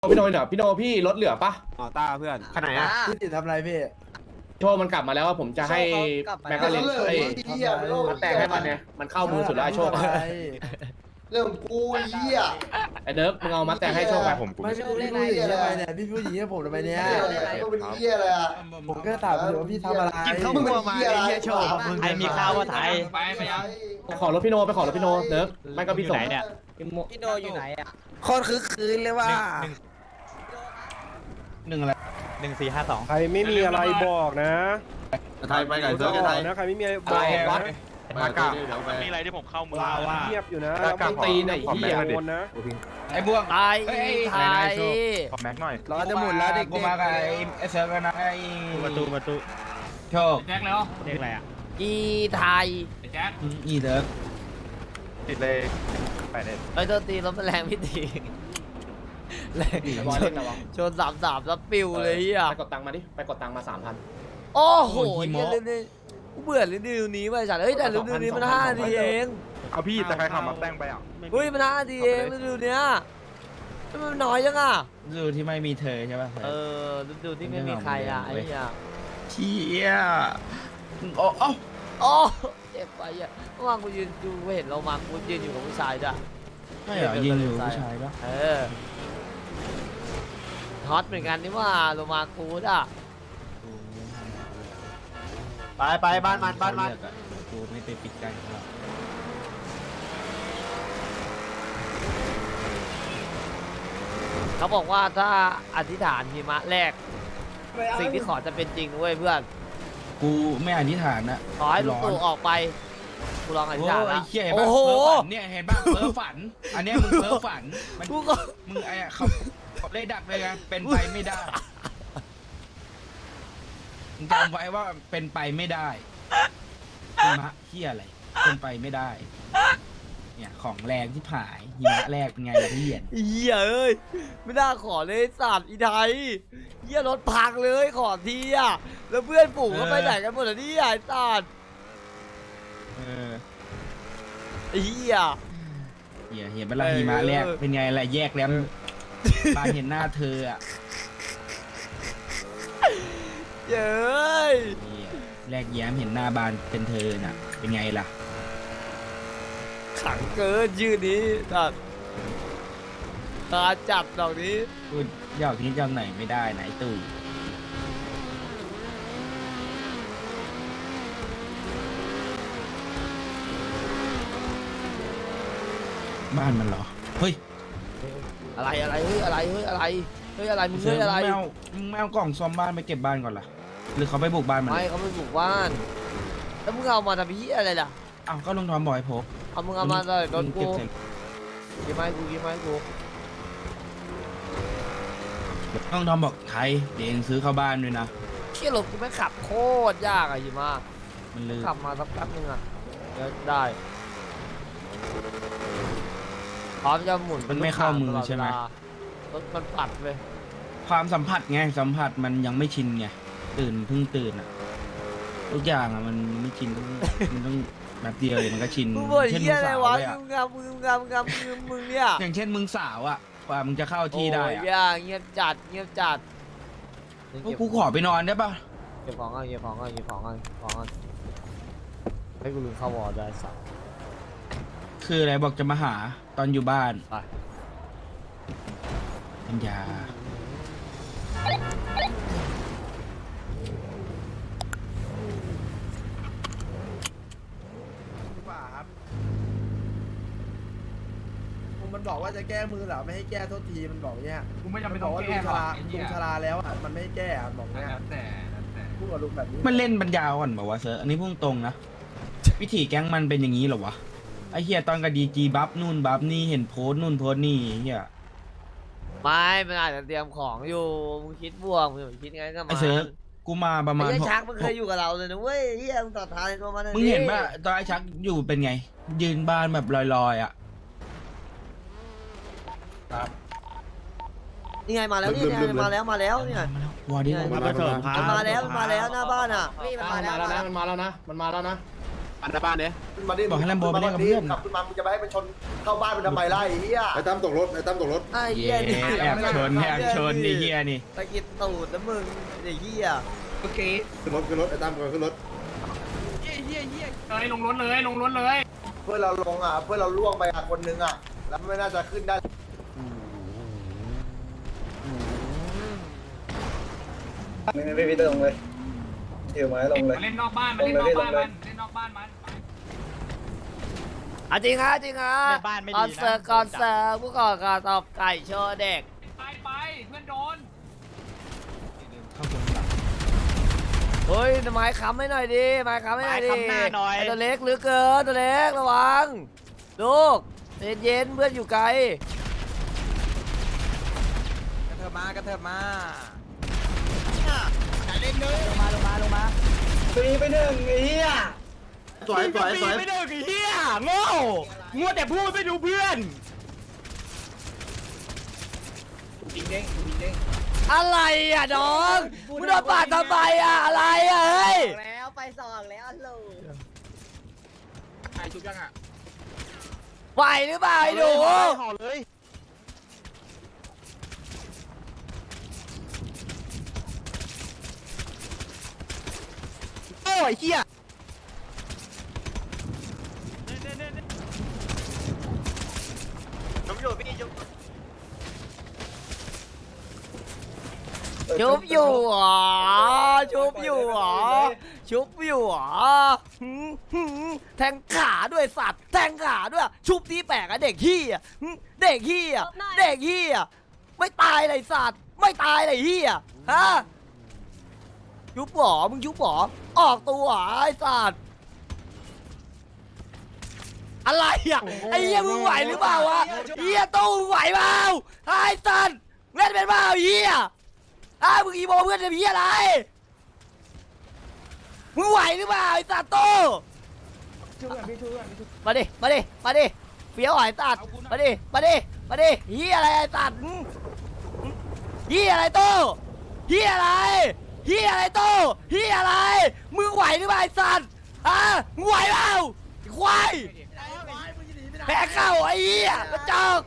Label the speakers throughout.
Speaker 1: พี่โนเนี่ยพี่โนพี่รถเหลือปะ
Speaker 2: อ๋อต้าเพื่อน
Speaker 1: ขนาดไหนอะ
Speaker 3: พี่ติดทำอะไรพี่
Speaker 1: โชว์มันกลับมาแล้วว่าผมจะให้แม็กกาเลนไอ้มันแต่งให้มันเนี่ยมันเข้ามือสุดแล้วไอ้โชคอะ
Speaker 4: เรื่องกูไอ้เหี้ย
Speaker 1: ไอ้เนิร์ฟมึงเอามาแต่งให้โชคไป
Speaker 3: ไม่พี่พูดอย่างนี้ทำไมเนี่ยพี่พูดอย่างนี้ผมทำไมเนี่ย
Speaker 4: ก็เป็นเหี้ยอะไรอ่ะ
Speaker 3: ผมก็ถามอยู่ว่าพี่ทำอะไร
Speaker 4: มึงเป็นเหี้ยอะไรโชว์
Speaker 5: ไอมีข้าวว่าไทย
Speaker 4: ไปยัง
Speaker 1: ไปขอรถพี่โนไปขอรถพี่โนเนิร์ฟไม่ก็พี่ส่ง
Speaker 5: พี่โนอยู่ไหนอ่ะ
Speaker 3: โคตรคึกคืนเลยว่า
Speaker 5: 1452
Speaker 2: ใครไม่มีอะไรบอกนะ
Speaker 4: ไทยไปไก่เสือไทย
Speaker 2: นะใครไม่มีอะไรบ
Speaker 1: ไอ้
Speaker 2: อก
Speaker 1: วัด
Speaker 2: นะ
Speaker 1: มากา
Speaker 6: มีอะไรที่ผมเข้ามือ
Speaker 2: เงียบอยู่นะ
Speaker 1: กางตีนไอ้เหี้ย
Speaker 2: คนนะ
Speaker 5: ไอ้บ่วงไทยไทย
Speaker 6: ขอแม็กหน่อย
Speaker 3: รอจะหมุนแล้วเด็ก
Speaker 5: กูมากับไอ้เซิร์ฟกันนะไอ้ประตูโชค
Speaker 6: แจ็คแล้ว
Speaker 5: เด็กอะไรอ่ะอีไทย
Speaker 6: แจ็ค
Speaker 5: อีเด้อ
Speaker 6: ติดเลยไปเลย
Speaker 5: ไอ้ตัวตีรถแรงพี่ตีแรง
Speaker 1: ไอ้บอยเล่นระวัง
Speaker 5: ชน3-3แล้วปิวเลยอ่ะ
Speaker 1: ไปกดตังค์มาดิไปกดตังค์มา 3,000
Speaker 5: โอ้โหเรื่องนี้กูเบื่อเรื่องนี้ว่ะจัดเฮ้ยแต่เรื่องนี้มัน5 นาทีเอง
Speaker 6: เอาพี่แต่ใครขับมาแต่งไปอ่ะ
Speaker 5: เฮ้ยมัน5 นาทีเองฤดูเนี้ยมันน้อยจังอ่ะ
Speaker 7: ฤดูที่ไม่มีเธอใช่ป่ะ
Speaker 5: ฤดูที่ไม่มีใครอ่ะไอ้เหี้ย
Speaker 7: เชี่ยโอ้โอ้
Speaker 5: โอ้เจ็บไปอ่ะเมื่อวานกูยืนดูเห็นเรามากูยืนอยู่กับผู้ชายจ้ะ
Speaker 7: ใช่เหรอยิงอยู่ผู้ชายป่ะ
Speaker 5: ฮอตเหมือนกันนี่ว่าโลมากูดอ่ะ
Speaker 3: ไปบ้านมัน
Speaker 7: กูไม่ไปปิดกันหรอก
Speaker 5: เขาบอกว่าถ้าอธิษฐานหิมะแรก สิ่งที่ขอจะเป็นจริงเว้ยเพื่อน
Speaker 7: กูไม่อธิษฐานนะ
Speaker 5: ขอให้ลูกตู่ออกไปกูลองอธิ
Speaker 7: โอ้
Speaker 5: ษฐาน
Speaker 7: ไอ้
Speaker 5: ละ
Speaker 7: เชี่ยเห็น
Speaker 5: โอ้
Speaker 7: ป่ะ
Speaker 5: โห
Speaker 7: เพ้อฝันเนี่ยเห็นป่ะเพ้อฝัน อันเนี้ยมึงเพ้อฝันมัน
Speaker 5: กูก็
Speaker 7: มึงไอ้เขาเลยดักเลยไงเป็นไปไม่ได้มึงจำไว้ว่าเป็นไปไม่ได้หิมะเชี่ยอะไรเป็นไปไม่ได้ เนี่ยของแรงที่ผายหิมะแรกเป็นไงล่ะพี่เหียน
Speaker 5: เหี้ยเอ้ยไม่น่าขอเลยไอ้สัตว์อีไทยเหี้ยรถพังเลยขอทีอ่ะแล้วเพื่อนฝูงก็ไปไหนกันหมดอ่ะเนี่ยไอ้สัตว์ ไอ้เหี้ย
Speaker 7: เห็นเวลาหิมะแรกเป็นไงล่ะแยกแล้วบานเห็นหน้าเธออ่ะ
Speaker 5: เย้ย
Speaker 7: แรกแย้มเห็นหน้าบานเป็นเธอน่ะ เป็นไงล่ะ
Speaker 5: ขังเกินชื่อนี้สัตว์ตาจับดอกนี้
Speaker 7: พูดยอกนี้จำไหนไม่ได้ไหนตู่บ้านมันเหรอ เฮ้ย
Speaker 5: อะไรเฮ้ยอะไรเฮ้ยอะไรเฮ้ยอะไรมึงเฮ้ยอะไร
Speaker 7: มึงไม่เอากล่องซ่อมบ้านไปเก็บบ้านก่อนล่ะ หรือเขาไปบุกบ้านมัน
Speaker 5: ไม่เขาไม่บุกบ้านแล้วมึงเอามาทำเหี้ยอะไรล่ะ
Speaker 7: อ้าวก็ลุงทอมบอกให้พก
Speaker 5: เอามึงเอามาเลยรถกู
Speaker 7: เก็บใส่
Speaker 5: กี่ไม้กู
Speaker 7: ลุงทอมบอกไทยเดี๋ยวเองซื้อเข้าบ้านด้วยนะ
Speaker 5: เชี่ยรถกูไม่ขับโคตรยากอะหิมะ
Speaker 7: มันลืม
Speaker 5: ขับมาสักแป๊บนึงอะเดี๋ยวได้พร้อมจะหมุน
Speaker 7: มันไม่เข้ามือใช่ไหม
Speaker 5: รถมันปัดเลย
Speaker 7: ความสัมผัสไงสัมผัสมันยังไม่ชินไงเพิ่งตื่นอ่ะทุกอย่างอ่ะมันไม่ชินมันต้องแบบเดียวเดี๋ยวมันก็ชิน
Speaker 5: มึงบ่น
Speaker 7: เช่น
Speaker 5: เหี้
Speaker 7: มึ
Speaker 5: ย
Speaker 7: ง
Speaker 5: อะไร
Speaker 7: สาว
Speaker 5: วะ
Speaker 7: เลยอ่ะ
Speaker 5: มึงเนี่ย
Speaker 7: อย่างเช่นมึงสาวอ่ะกว่ามึงจะเข้าที่ได้
Speaker 5: โอ้ย
Speaker 7: อ่ะ
Speaker 5: อย่าเงียบจัด
Speaker 7: พวกกูขอไปนอนได้ปะ
Speaker 5: เก็บของก่อนให้กูลืมเข้าวอร์ได้สัส
Speaker 7: คืออะไรบอกจะมาหาตอนอยู่บ้าน
Speaker 5: ไป
Speaker 7: ปัญญา
Speaker 3: มันบอกว่าจะแก้มือเหรอไม่ให้แก้โทษทีมันบอกเนี่ย
Speaker 6: กูไม่จำเป็น
Speaker 3: บ
Speaker 6: ต้
Speaker 3: อ
Speaker 6: อก ง
Speaker 3: ว่าลุ
Speaker 6: แก้
Speaker 3: ง
Speaker 6: ห
Speaker 3: ช
Speaker 6: รอก
Speaker 3: รา
Speaker 6: ไอ้
Speaker 3: ลุ
Speaker 6: เหี้ย
Speaker 3: งชราแล้วอ่ะมันไม่ให้แก้อ่ะบอกเนี่ย
Speaker 6: แล้วแต่
Speaker 3: พูดกับลุงแบบนี้
Speaker 7: มันเล่นปัญญาอ่อนบอกว่าวะเซอร์อันนี้พุ่งตรงนะวิธีแก๊งมันเป็นอย่างนี้เหรอวะไอ้เฮียตอนกับดีจีบัฟนู่นบัฟนี่เห็นโพสต์นู่นโพสต์นี่เฮีย
Speaker 5: ไม่มันอาจจะเตรียมของอยู่มึงคิดบวกมึงคิดไงก็
Speaker 7: ไอ้
Speaker 5: มา
Speaker 7: เซิร์ฟกูมาประมาณ
Speaker 5: ไอ้
Speaker 7: หก
Speaker 5: ชักมันเคยอยู่กับเราเลยนะเว้ยเฮียมึงต่อท้ายตัวมัน
Speaker 7: มึงเห็นป่ะตอนไอ้ชักอยู่เป็นไง ยืนบ้านแบบลอยๆอ่ะ
Speaker 5: นี่ไงมาแล้วนี่ไงมาแล้วเนี่ย
Speaker 7: วอร์ดี้
Speaker 5: มันมาแล้วหน้าบ้านอ่ะ
Speaker 1: มันมาแล้วนะ
Speaker 2: อันดับบ้านเนี่ย
Speaker 4: ขึ้นมาดิ
Speaker 7: บอกให้แลมโบไปเล่นกับเพื่อน
Speaker 4: กลับขึ้นมามึงจะไปให้มันชนเข้าบ้านมันทำไมล่ะไอ้เหี้ยไอ้ตั้มตกรถไอ้ตั้มตกรถ
Speaker 5: ไอ้
Speaker 7: เย้
Speaker 5: เหี้ยนี่
Speaker 7: แอบชนไอ้เฮียนี่
Speaker 5: ตะกิดตูดนะมึงไอ้เหี้ย
Speaker 7: เมื่อกี้
Speaker 4: ขึ้นรถไอ้ตั้มขึ้นรถ
Speaker 1: เลยลงรถเลยลงรถเลย
Speaker 4: เพื่อนเราลงอ่ะเพื่อนเราล่วงไปอ่ะคนนึงอ่ะแล้วไม่น่าจะขึ้นได้
Speaker 3: ไม่มีลงเลยเดี๋ยวไม้ลงเลย
Speaker 1: เล่นนอกบ้านมันเล่นนอกบ้านมันเล่นนอกบ้านมัน
Speaker 5: อ่ะจริงฮะจริงฮะคอนเสิร์ตผู้ก่อการตอบไก่โชว์เด็ก
Speaker 1: ไปเพื่อนโดน
Speaker 7: เข้าตรงหลัง
Speaker 5: เฮ้ยไม้ค้ำให้หน่อยดิไม้ค้ำให้หน่อยดิไอ้ตัวเล็กเหลือเกินตัวเล็กระวังลูกเย็นๆเพื่อนอยู่ไกล
Speaker 3: กระเถิบมา
Speaker 4: สวย
Speaker 7: ไม่ได้กี่เฮียโง่งัวแต่พูดไม่ดูเพื่อน
Speaker 5: อะไรอ่ะน้องมึงโดนปาดทำไมอ่ะอะไรอ่ะเฮ้ย
Speaker 8: แล้วไปสองแล้วลู
Speaker 1: ใครชุบยังอ่ะ
Speaker 5: ไหวหรือเปล่าไอ้หนู
Speaker 3: ห่อเลย
Speaker 7: โอ้ยเฮีย
Speaker 5: ชุบอยู่เหรอชุบอยู่เหรอชุบอยู่เหรอหืมแทงขาด้วยสัตว์แทงขาด้วยชุบที่แปลกอะเด็กขี้อะเด็กขี้อะเด็กขี้อะไม่ตายเลยสัตว์ไม่ตายเลยขี้อะฮะชุบหรอมึงชุบหรอออกตัวเหรอไอ้สัตว์อะไรอะไอ้เหี้ยมึงไหวหรือเปล่าวะเหี้ยตู้มึงไหวเปล่าไอ้สัตว์เล่นเป็นเปล่าเหี้ยมึงอีโมเพื่อนจะเหี้ยอะไรมึงไหวหรือเปล่าไอ้สัตว์โตมาดิเฟี้ยวไอ้สัตว์มาดิเหี้ยอะไรไอ้สัตว์เหี้ยอะไรโตเหี้ยอะไรโตเหี้ยอะไรมึงไหวหรือเปล่าไอ้สัตว์มึงไหวเปล่าไอ้ควายแพ้เข้าไอ้เหี้ยกระจอก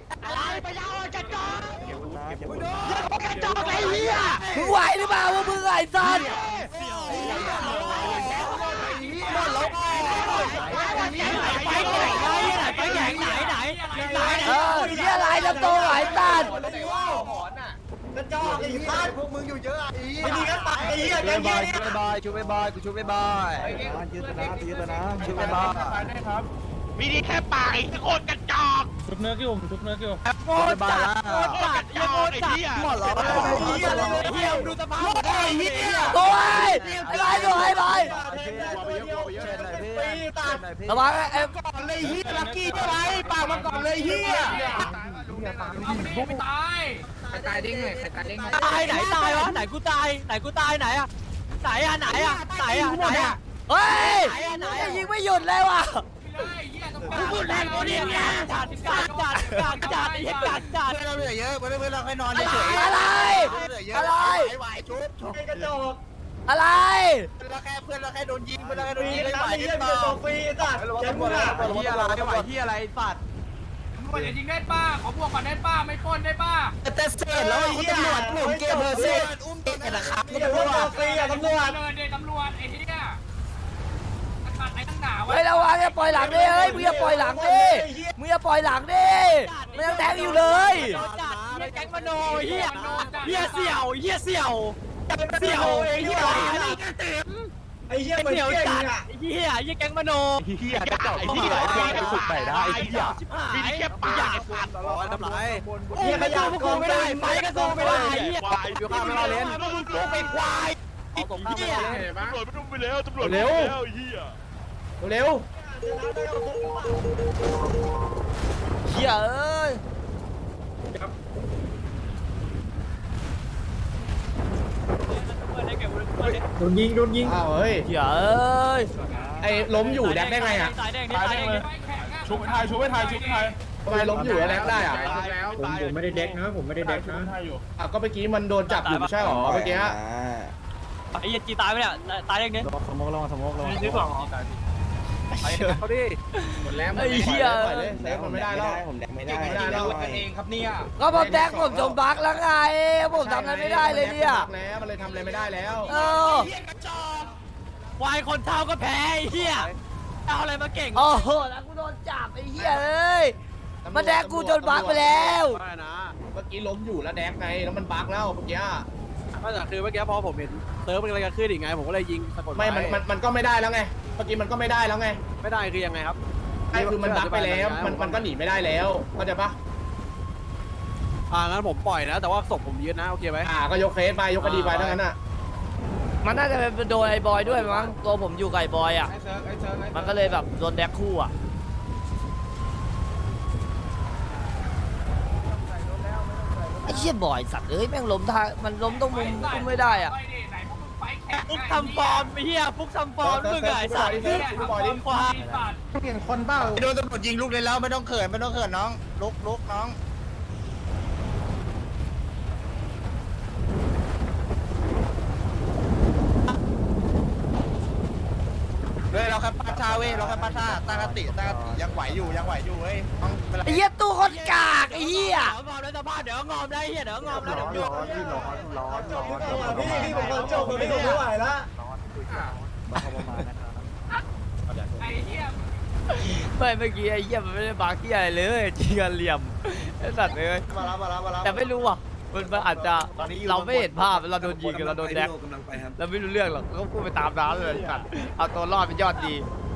Speaker 5: ไอ้เหี้ยมึงไหวหรือเปล่าวะมึงไอ้สัตว์เหี้ยอะไรจะโตไอ้สัตว์
Speaker 4: กระจอกไอ้บ้านพวกมึงอยู่เยอะอ่ะไอ้เหี้ย
Speaker 3: ไม่ดีก็ตัดไอ้เหี้ยแกเหี้ยเนี่ยชูไปบอยกูชูไปบอยยืดนะชูไปบอย
Speaker 6: มีดีแค่ปากไอ้โคตรกระจอก
Speaker 3: โง่จัด
Speaker 6: กระจอกไอ้เหี้ย
Speaker 3: หมดหรอไอ้เหี้ยเลยเหี้ยดูสภาพไอ้เหี้ย
Speaker 5: โอ้ยไอ้บอยระวังไอ้
Speaker 3: ก่อนเลยเหี้ยลักกี้ใช่ไหมปากมันก่อนเลยเหี้ย
Speaker 1: ไม่ตายใครตายเด้งเลยใครตายเด้งเลย
Speaker 5: ตายไหนตายวะไหนกูตายไหนอะเฮ้ยยิงไม่หยุดเลยว่ะ
Speaker 1: พูดแรงกว่านี้ไง
Speaker 5: จัดไอ้เหี้ยจัด
Speaker 3: เพื่อนเราเหลือเยอะเพื่อนเราให้นอนเฉย
Speaker 5: อะไร
Speaker 3: ไหวชุบกระจก
Speaker 5: อะไร
Speaker 3: เพื่อนเราแค่โดนยิงเพื่อนเราแค่โดนยิงไม่ไหวเปล่าฟรีตัดแกมึงอะ
Speaker 2: เฮียอะไรไหวเฮียอะไรสัตว์
Speaker 1: มึงอย่ายิงได้ป้าขอบวกก่อนได้ป้าไม่ปล้นได้ป้า
Speaker 3: แต่เสร็จแล้วคุณตำรวจผมเกมเพอร์เซ็นต์อุ้มเด็กนะครับคุณตำรวจฟรีอะตำรวจ
Speaker 1: เลยเด็กตำรวจไอ้เหี้ยตัดไอ้ตั้งหนาวะ
Speaker 5: เฮ้ยระวังอย่าปล่อยหลังดิเฮ้ยมึงอย่าปล่อยหลังดิมึงอย่าปล่อยหลังดิมึงยังแทงอยู่เลย
Speaker 3: แก๊งมโนเฮียเสี่ยวไอ้เฮียไอ้เฮียเสี่ยวจัดไอ้เฮียแก๊งมโน
Speaker 6: เหี้ยกระจอกไอ้เหี้ยไปสุดไหนได้ไอ้เหี้ยมีดีแค่ปากไอ้สัตว์
Speaker 3: ทำไรเฮียขยับกูไม่ได้ไปก็สู้ไม่ได้เฮีย
Speaker 6: ควายอยู่ข้างเราเล่น
Speaker 3: กูเป็นควาย
Speaker 6: เหี้ยตำรวจไม่ต้องไปแล้วตำรวจเร็วเหี้ย
Speaker 1: เร็ว
Speaker 5: เหี้ยเอ้ย
Speaker 3: โดนยิง
Speaker 1: อ้าวเฮ้ย
Speaker 5: เหี้ยเอ้ย
Speaker 1: ไอ้ล้มอยู่แดกได้ไงอ่ะ
Speaker 6: ชุบไทยชุบไทย
Speaker 1: ทำไมล้มอยู่แล้วแดกได้อ่ะ
Speaker 3: ผมไม่ได้เด็กนะผมไม่ได้เด็กนะ
Speaker 1: ก็เมื่อกี้มันโดนจับอยู่ไม่ใช่หรอเมื่อกี้
Speaker 5: ไอ้เหี้ยจีตายไปเนี่ยตายเรื่องนี้
Speaker 3: สมองลง
Speaker 5: ไ
Speaker 3: เขาดิ
Speaker 1: หมดแล้ว
Speaker 5: ไอ้เหี้ย
Speaker 1: ปล่อยเลยเซฟมันไม่ได้แล้ว
Speaker 6: ผมแดงไม่ได้
Speaker 1: ไม่ได้แล้ว
Speaker 7: กันเองครับเนี่ย
Speaker 5: ก็ผมแดกผมจมบักแล้วไงผมทำอะไรไม่ได้เลยเนี่ย
Speaker 1: แล้วมันเลยทำอะไรไม่ได้แล้ว
Speaker 5: เออ
Speaker 6: วายคนเท่าก็แพ้ไอ้เหี้ยเอาอะไรมาเก่ง
Speaker 5: โอ้โหแล้วกูโดนจับไอ้เหี้ยเอ้ยมาแดกกูจนบักไปแล้ว
Speaker 3: ไม่นะ
Speaker 1: เมื่อกี้ล้มอยู่แล้วแดกไงแล้วมันบักแล้วเมื่อกี้
Speaker 3: ก็แต่คือเมื่อกี้พอผมเห็นเซิร์ฟมันกำลังจะขึ้นอีกไงผมก็เลยยิงสะกด
Speaker 1: ไม่มันก็ไม่ได้แล้วไงเมื่อกี้มันก็ไม่ได้แล้วไง
Speaker 3: ไม่ได้คือยังไงครับ
Speaker 1: ไอ้คือมันบักไปแล้วมันก็หนีไม่ได้แล้วเข้าใจปะ
Speaker 3: งั้นผมปล่อยนะ แต่ว่าศพผมยืนนะโอเคไหม
Speaker 1: ก็ยกเคสไปยกคดีไปทั้งนั้นอ่ะ
Speaker 5: มันน่าจะเป็นโดนไอ้บอยด้วยมั้งตัวผมอยู่กับไอ้บอยอ่ะ
Speaker 7: ไอ้เซิร์ฟไอ้เซิร์ฟ
Speaker 5: มันก็เลยแบบโดนแดกคู่อ่ะไอ้เชี่ยบอยสัตว์เอ้ยแม่งล้มท่ามันล้มตรงมุมกุ้มไม่ได้อ่ะ
Speaker 6: ฟุกทำฟอร์มไอ้เหี้ยฟุกทำฟอร์มมึงไงสัตว์ควาย
Speaker 7: เปลี่ยนคนเปล่า
Speaker 6: โดนตำรวจยิงลูกเลยแล้วไม่ต้องเขินไม่ต้องเขินน้องลุกน้องเฮ้ยเราแค่ปาชาเว้ยเราแค่ปาชาตั้งสติยังไหวอยู่เว้ยต้องเป็นไร
Speaker 5: ไอ้เหี้ยตู้คนกากไอ้เหี้ย
Speaker 6: งอมได้สภาพเดี๋ยวงอมได้เหี้ยเดี๋ยวงอมแล้วเดี๋ยว
Speaker 4: พี่ผมจบไม่ไหวแล้ว
Speaker 5: ไม่เมื่อกี้ไอ้เหี้ยมันไม่ได้บาร์กี้อะไรเลยจริงกันเหลี่ยมไอ้สัตว์เลย
Speaker 4: มาแล้ว
Speaker 5: แต่ไม่รู้อ่ะมันอาจจะเราไม่เห็นภาพเราโดนยิงกันเราโดนแดกเราไม่รู้เรื่องหรอกก็พูดไปตามน้ำเลยไอ้สัตว์เอาตัวรอดเป็นยอดดี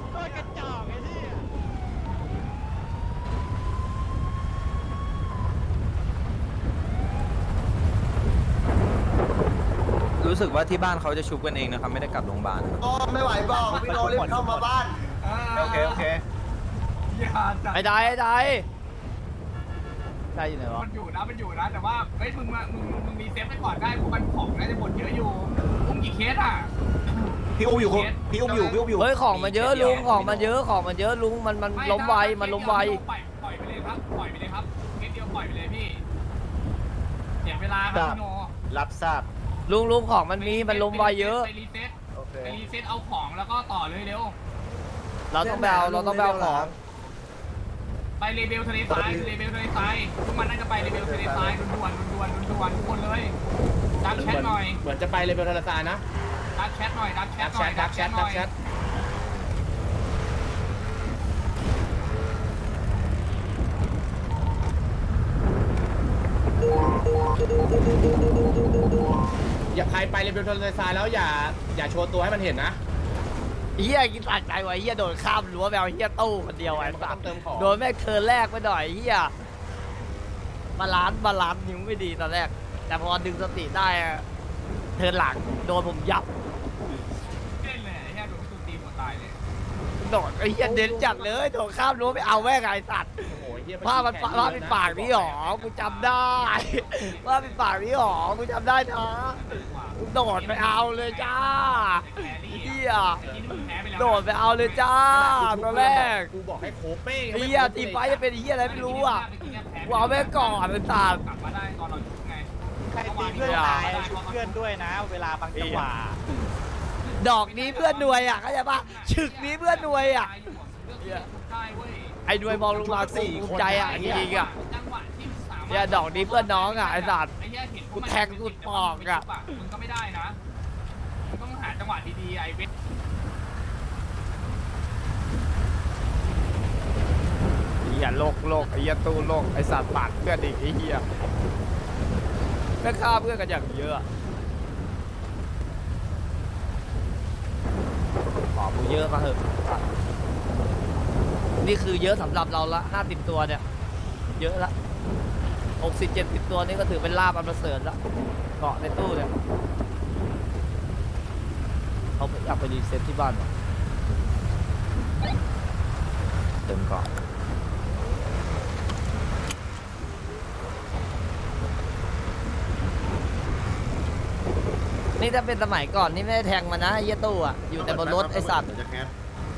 Speaker 3: รู้สึกว่าที่บ้านเขาจะชุบกันเองนะครับไม่ได้กลับโรงพยาบาล
Speaker 4: ก็ไม่ไหวบอกพี่โนรีบเข้ามาบ้าน
Speaker 3: โอเค
Speaker 5: ไอ้ได้ได้อยู่ไหนวะ
Speaker 7: มันอยู่นะแต่ว่าเฮ้ยมึงมีเซฟไปก่อนได้พวกมันของน่าจะหมดเยอะอยู่อุ้มกี่เคสอ่ะ
Speaker 3: พี่อุ้มอยู่
Speaker 5: เฮ้ยของมันเยอะลุงของมันเยอะลุงมันล้มไวมันล้มไว
Speaker 7: ปล่อยไปเลยครับเคสเดียวปล่อยไปเลยพี่เสียเวลาครับพี่โน
Speaker 6: รับทราบ
Speaker 5: ลุงของมันมีมันล้มไวเยอะ
Speaker 7: ไปรีเซ็ตเอาของแล้วก็ต่อเลยเร็ว
Speaker 5: เราต้องไปเอาของ
Speaker 7: ไปเลเบลทะเลทรายพวกมันน่าจะไปเลเบลทะเลทรายด่วนทุกคนเลยดักแชทหน่อย
Speaker 1: เหมือนจะไปเลยเบลทาราซานะ
Speaker 7: ดักแชทหน่อย
Speaker 1: ดักแชทอย่าใครไปเลยเบลทาราซาแล้วอย่าโชว์ตัวให้มันเห็นนะ
Speaker 5: เฮียกินตัดใจไว้เฮียโดนข้ามรั้วไปเอาเฮียตู้คนเดียวไอ้สัตว์
Speaker 1: เติมของ
Speaker 5: โดนแม่งเทิร์นแรกไปหน่อยเฮียบาลานซ์นิ้วไม่ดีตอนแรก แต่พอดึงสติได้อะเทิร์นหลังโดนผมยับ
Speaker 7: เล่นเลยแค่โดนตูตีหมดตายเลย
Speaker 5: โดนไอ้เฮียเด่นจัดเลยโดนข้ามรั้วไปเอาแม่งไอ้สัตว์
Speaker 1: โอ้โหเหี้ย
Speaker 5: ผ้ามันเป็นปากนี่หรอกูจำได้ว่าเป็นปากนี่หรอกูจำได้นะกูโดดไปเอาเลยจ้าเฮียโดดไปเอาเลยจ้าตอนแรก
Speaker 1: กูบอกให้โคเป้ง
Speaker 5: เฮียตีไฟจะเป็นเฮียอะไรไม่รู้อ่ะกูเอาแม่งก่อนเป็นตา
Speaker 7: กลับมาได้ตอนเราชุบไง
Speaker 6: ใครตีเพื่อนตายชุบเพื่อนด้วยนะ เวลาบางจังหวะ
Speaker 5: ดอกนี้เพื่อนหน่วยอ่ะเข้าใจปะฉึกนี้เพื่อนหน่วยอ่ะไอ้หน่วยมองลงมากูภูมิใจอ่ะจริงๆอ่ะเนี่ยดอกนี้เพื่อนน้องอ่ะไอ้สัตว์กูแทงกูปอกอ่ะ
Speaker 7: มึงก็ไม่ได้นะมึงต้องหาจังหวะดีๆไอ้เวท
Speaker 5: เฮียโลกไอ้เฮียตู้โลกไอ้สัตว์ปาดเพื่อนอีกไอ้เฮียแม่งฆ่าเพื่อนกันอย่างเยอะขอกูเยอะมาเหอะนี่คือเยอะสำหรับเราละ50 ตัวเนี่ยเยอะละ60-70 ตัวนี่ก็ถือเป็นลาบอันประเสริฐละเกาะในตู้เนี่ยเขาอยากไปรีเซ็ตที่บ้านวะเติมเกาะนี่ถ้าเป็นสมัยก่อนนี่ไม่ได้แทงมันนะไอ้เหี้ยตู้อ่ะอยู่แต่บนรถไอ้สัตว์
Speaker 4: จะแคส